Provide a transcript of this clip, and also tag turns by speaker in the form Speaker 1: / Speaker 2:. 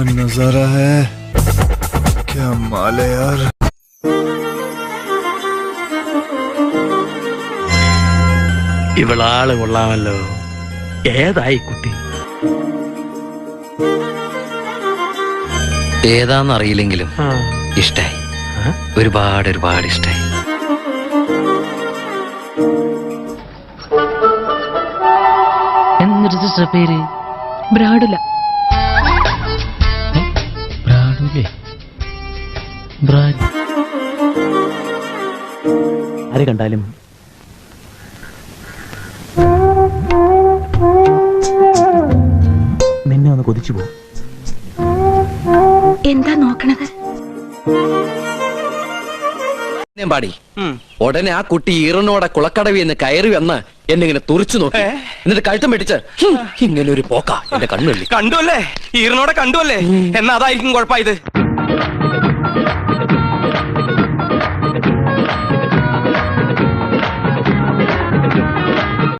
Speaker 1: नजारा है क्या माल है यार
Speaker 2: ഇവളാള് കൊള്ളാമല്ലോ ഏതായി കുട്ടി
Speaker 3: ഏതാന്നറിയില്ലെങ്കിലും ഇഷ്ടായി ഒരുപാട് ഒരുപാട് ഇഷ്ടായി
Speaker 4: എന്നിട്ട് പേര്
Speaker 5: ബ്രാഡുല
Speaker 4: ബ്രാഡുലേ ആര് കണ്ടാലും നിന്നെ ഒന്ന് കൊതിച്ചു പോകും.
Speaker 5: എന്താ നോക്കണത്?
Speaker 3: പാടി ഉടനെ ആ കുട്ടി ഈറനോടെ കുളക്കടവി എന്ന് കയറി വന്ന് എന്നിങ്ങനെ തുറിച്ചു നോക്കി എന്നിട്ട് കഴുത്തം പിടിച്ച് ഇങ്ങനെ ഒരു പോക്ക എന്റെ കണ്ണുള്ളി
Speaker 6: കണ്ടുവല്ലേ ഈറിനോടെ കണ്ടുവല്ലേ എന്നാ അതായിരിക്കും കുഴപ്പമായത്.